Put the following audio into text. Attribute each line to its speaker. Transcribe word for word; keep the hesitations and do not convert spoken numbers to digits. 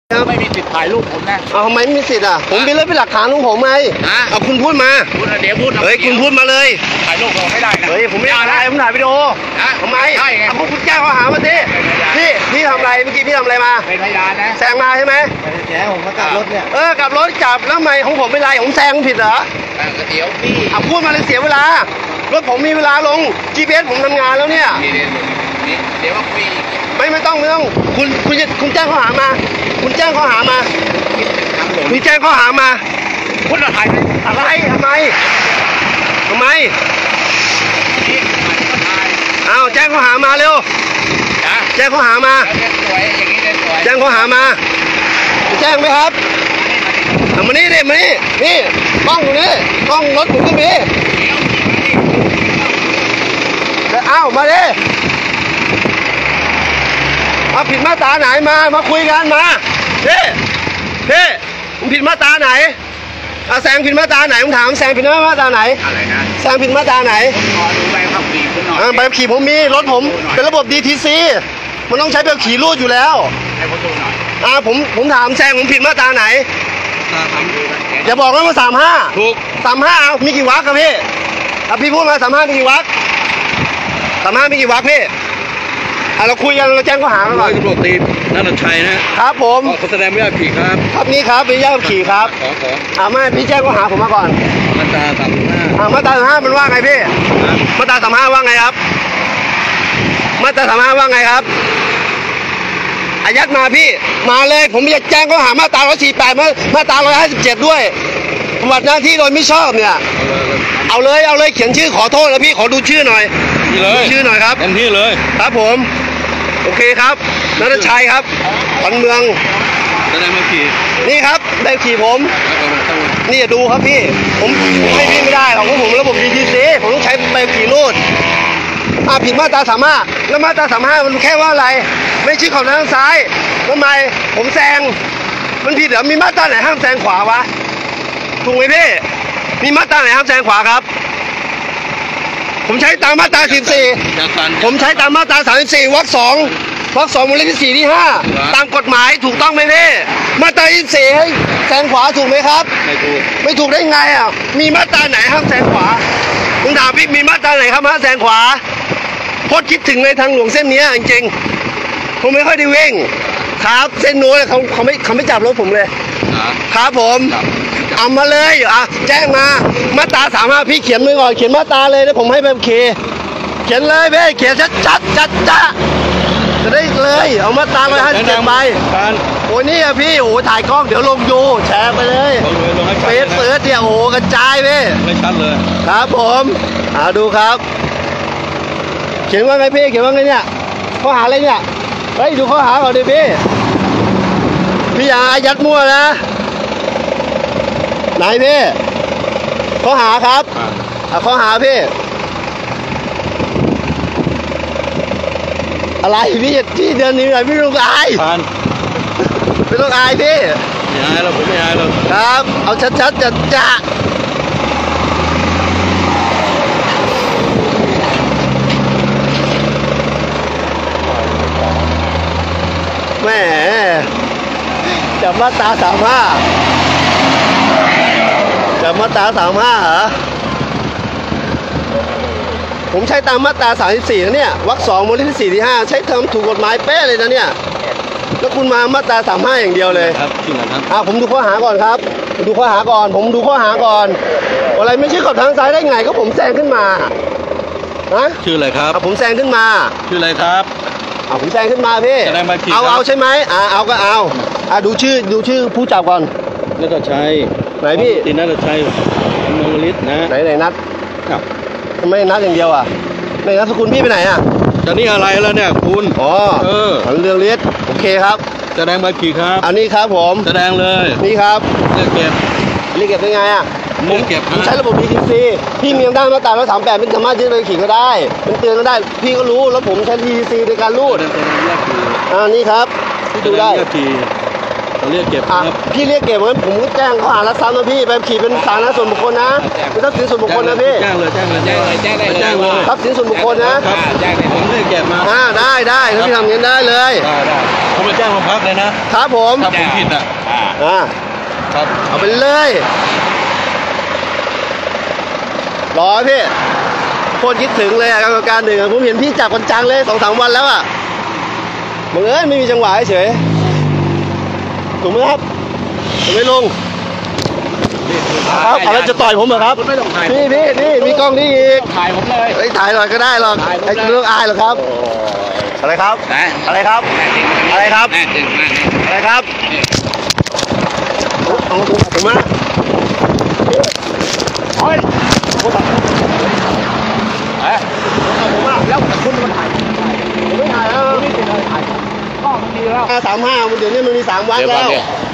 Speaker 1: ไม่มีสิทธิ์ถ่ายรูปผมนะ
Speaker 2: เอาทำไมไม่มีสิทธิ์อ่ะผมมีเรื่องเป็นหลักฐานของผมไงเอาคุณพูดมา
Speaker 1: เดี๋ยวพูด
Speaker 2: เฮ้ยคุณพูดมาเลย
Speaker 1: ถ่ายรูปผมไม่ได้นะ
Speaker 2: เฮ้ยผมไม่ได้ผมถ่ายวิดีโอทำไมเอาพวกคุณแจ้งข้อหามาสิพี่พี่ทำอะไรเมื่อกี้พี่ทำอะไรมา
Speaker 1: เป็นพยานนะ
Speaker 2: แซงมาใช่ไหม
Speaker 1: แซงผมมากลับรถเนี่ย
Speaker 2: เออกลับรถกลับแล้วทำไมของผมเป็นไรผมแซงผิดเหรอ
Speaker 1: เดี๋ยวพี่
Speaker 2: เอาพูดมาเลยเสียเวลารถผมมีเวลาลง จี พี เอส ผมทำงานแล้วเนี่ย
Speaker 1: เดี๋ยวว่าคุย
Speaker 2: ไม่ไม่ต้องไม่ต้องคุณคุณจะคุณแจ้งข้อหามาคุณแจ้งข้อหามาคุณแจ้งข้อหามา
Speaker 1: คุณถ่าย
Speaker 2: อะไรทำไมทำไมอ้าวแจ้งข้อหามาเร็วแจ้งข้อหามาแจ้งข้อหามาแจ้งไหมครับมานี่ดิมานี่นี่กล้องอยู่นี่กล้องรถผมก็มีเอ้ามาดิมาผิดมาตราไหนมามาคุยกันมาเพ่เพ่ผมผิดมาตราไหนอาแซงผิดมาตราไหนผมถามแซงผิดมาตราไหน
Speaker 1: อะไรนะ
Speaker 2: แซงผิดมาตราไหน
Speaker 1: ขอดูใบขับขี่คุณหน่อย
Speaker 2: ใบขับขี่ผมมีรถผมเป็นระบบ ดี ที ซี มันต้องใช้ใบขับขี่รูดอยู่แล้ว
Speaker 1: ให้ผมดูหน่อย
Speaker 2: อ่าผมผมถามแซงผมผิดมาตราไหนอย่าบอกว่าสามห้า
Speaker 1: ถูก
Speaker 2: สามห้าเอามีกี่วรรคครับพี่อ่ะพี่พูดมาสามห้ามีกี่วรรคสามห้ามีกี่วรรคพี่อ่ะเราคุยกันเราแจ้งข้อหาก่อน
Speaker 1: ตำรวจตีนันทชัยนะครับ
Speaker 2: ผม
Speaker 1: ขอแสดงไม่ได้ขี่ครับ
Speaker 2: ครับนี่ครับเป็นญาติขี่ครับ
Speaker 1: ขอขอ
Speaker 2: อ่าไม่พี่แจ้งข้อหาผมมาก่อน
Speaker 1: มาตราสามห้า
Speaker 2: อ่ามาตราสามห้ามันว่าไงพี่มาตราสามห้าว่าไงครับมาตราสามห้าว่าไงครับอายัดมาพี่มาเลยผมจะแจ้งข้อหามาตราร้อยสี่แปดมาตราร้อยห้าสิบเจ็ดด้วยปฏิบัติหน้าที่โดยไม่ชอบเนี่ยเอาเลยเอาเลยเขียนชื่อขอโทษแล้วพี่ขอดูชื่อหน่อย
Speaker 1: เลย
Speaker 2: ชื่อหน่อยครับ
Speaker 1: เต็มที่เลย
Speaker 2: ครับผมโอเคครับนัทชัยครับปันเมือง
Speaker 1: แสดงมาขี่
Speaker 2: นี่ครับได้ขี่ผมนี่ดูครับพี่ผมไม่พี่ไม่ได้หรอกเพราะผมระบบ ดี ที ซี ผมต้องใช้ใบขี่รูดอ่าผิดมาตราสามห้าแล้วมาตราสามห้ามันแค่ว่าอะไรไม่ชี้ขอบทางซ้ายทำไมผมแซงมันผิดเหรอมีมาตราไหนห้ามแซงขวาวะถูกไหมพี่มีมาตราไหนห้ามแซงขวาครับผมใช้ตามมาตราสิบสี่ผมใช้ตามมาตราสามสิบสี่วรรคสองวรรคสองวงเล็บที่สี่ที่ห้าตามกฎหมายถูกต้องไหมพี่มาตรายี่สิบสี่ให้แซงขวาถูกไหมครับ
Speaker 1: ไม่ถูก
Speaker 2: ไม่ถูกได้ไงอ่ะมีมาตราไหนห้ามแซงขวาผมถามพี่มีมาตราไหนครับห้ามแซงขวาพดคิดถึงในทางหลวงเส้นนี้จริงๆผมไม่ค่อยได้เว้งครับเส้นโน้นเขาเขาไม่เขาไม่จับรถผมเลยครับผมเอามาเลยอ่ะแจ้งมามาตราสามห้าพี่เขียนมือก่อนเขียนมาตราเลยแล้วผมให้แบบเคเขียนเลยเว้ยเขียนชัดชัดชัดจ้าจะได้เลยเอามาตรามาให้เก็บไปโอ้นี่อะพี่โอ้ถ่ายกล้องเดี๋ยวลงยูแชร์ไปเลยเฟซเฟิร์สเนี่ยโอ้กระจายเว้ย
Speaker 1: ไม่ชัดเลย
Speaker 2: ครับผมอ่าดูครับเขียนว่าไงพี่เขียนว่าไงเนี่ยข้อหาอะไรเนี่ยเฮ้ยดูข้อหาก่อนดิพี่พี่อย่าอายัดมั่วนะไหนพี่ข้อหาครับอ่ะข้อหาพี่อะไรพี่ที่เดือนนี้พี่ไม่ต้องอายไม่ต้องอายพี่
Speaker 1: ไม่อายเราผมไม่อายเรา
Speaker 2: ครับเอาชัดๆจัดจ้าแม่จับมาตราสามห้าจับมาตราสามห้าเหรอผมใช้ตามมาตราสามสิบสี่นะเนี่ยวรรคสองวงเล็บที่สี่ที่ห้าใช้ทำถูกกฎหมายเป๊ะเลยนะเนี่ยแล้วคุณมามาตราสามห้าอย่างเดียวเลย
Speaker 1: ครับจริงเหรอครับ
Speaker 2: อ่าผมดูข้อหาก่อนครับดูข้อหาก่อนผมดูข้อหาก่อนอะไรไม่ใช่ขอบทางซ้ายได้ไงก็ผมแซงขึ้นมาฮะ
Speaker 1: ชื่ออะไรครับ
Speaker 2: ผมแซงขึ้นมา
Speaker 1: ชื่ออะไรครับ
Speaker 2: เอาผมแซงขึ้นมาพี่เอาเอาใช่ไหมอ่าเอาก็เอาอ่าดูชื่อดูชื่อผู้จับก่อน
Speaker 1: นัทชัย
Speaker 2: ไหนพี่
Speaker 1: ตีนัทชัยมงฤทธิ์นะ
Speaker 2: ไหนไหนนัทครับทำไมนัทอย่างเดียวอ่ะในนัทสกุลพี่ไปไหนอ่ะ
Speaker 1: จะนี่อะไรแล้วเนี่ยคุณ
Speaker 2: อ๋อเออเรื่องฤทธิ์โอเคครับ
Speaker 1: แสดงใบขี่ครับ
Speaker 2: อันนี้ครับผม
Speaker 1: แสดงเลย
Speaker 2: นี่ครับ
Speaker 1: เรียกเก็บ
Speaker 2: เรียกเก็บเป็นไงอ่ะ
Speaker 1: ผมเก็บ
Speaker 2: ผมใช้ระบบ ดี ที ซี พี่มีอำนาจมาตราร้อยสามแปดเป็นสามารถยึดใบขี่ก็ได้เป็นเตือนก็ได้พี่ก็รู้แล้วผมใช้ ดี ที ซี ในการรูดอ่านี่ครับพี่ดูได้
Speaker 1: เขาเรียกเก็บ
Speaker 2: อ่ะ
Speaker 1: ครับ
Speaker 2: พี่เรียกเก็บงั้นผมก็แจ้งข้อหารักทรัพย์นะพี่ใบขับขี่เป็นสาธารณะส่วนบุคคลนะเป็นทรัพย์สินส่วนบุคคลนะพี่
Speaker 1: แจ้งเลยแจ้งเลย
Speaker 3: แจ้งเลยแจ้งได้เลย
Speaker 1: แจ้งเลย
Speaker 2: ทรัพย์สินส่วนบุคคลนะ
Speaker 3: อ่าแจ้งได้
Speaker 1: ผมเรียกเก็บมา
Speaker 2: อ่าได้ได้ถ้าพี่ทำอย่างนี้ได้เลย
Speaker 1: ได้ได้ผมไปแจ้งโรงพักเลยนะครับ
Speaker 2: ผม
Speaker 1: ถ้าผมผิดอ่ะ
Speaker 3: อ่า
Speaker 2: อ่า
Speaker 1: ครับ
Speaker 2: เอาไปเลยรอพี่โคตรคิดถึงเลยอะกรรมการหนึ่งอะผมเห็นพี่จับกันจังเลยสองสามวันแล้วอะบังเอิญไม่มีจังหวะเฉยถูกไหมครับถูกไหมลุงครับอะไรจะต่อยผมเหรอครับ
Speaker 3: ไม่ต้องถ่าย
Speaker 2: พี่พี่นี่มีกล้องนี่อีก
Speaker 3: ถ่ายผมเลย
Speaker 2: เฮ้ยถ่ายหน่อยก็ได้หรอก
Speaker 3: ถ่ายผมเลย
Speaker 2: ไอ้เรื่องอายหรอกครับอะไรครับ
Speaker 3: นะ
Speaker 2: อะไรครับ อะไรครับ
Speaker 3: แน่จริงมาก
Speaker 2: อะไรครับเอาตัวผมมาโอ้ยผมตัด
Speaker 3: เอ๊ะ
Speaker 2: ผมมา
Speaker 3: แล้วคุณมาถ่าย
Speaker 2: ผมไม่ถ่ายแล้ว
Speaker 3: นี่เป็นอะไรถ่ายกล้องมันดีแล้ว
Speaker 2: ห้าสามห้าเดี๋ยวนี้มันมีสามวัด
Speaker 3: เดี๋ยวก่
Speaker 2: แล้
Speaker 3: อน
Speaker 2: ว
Speaker 3: เดี๋ยว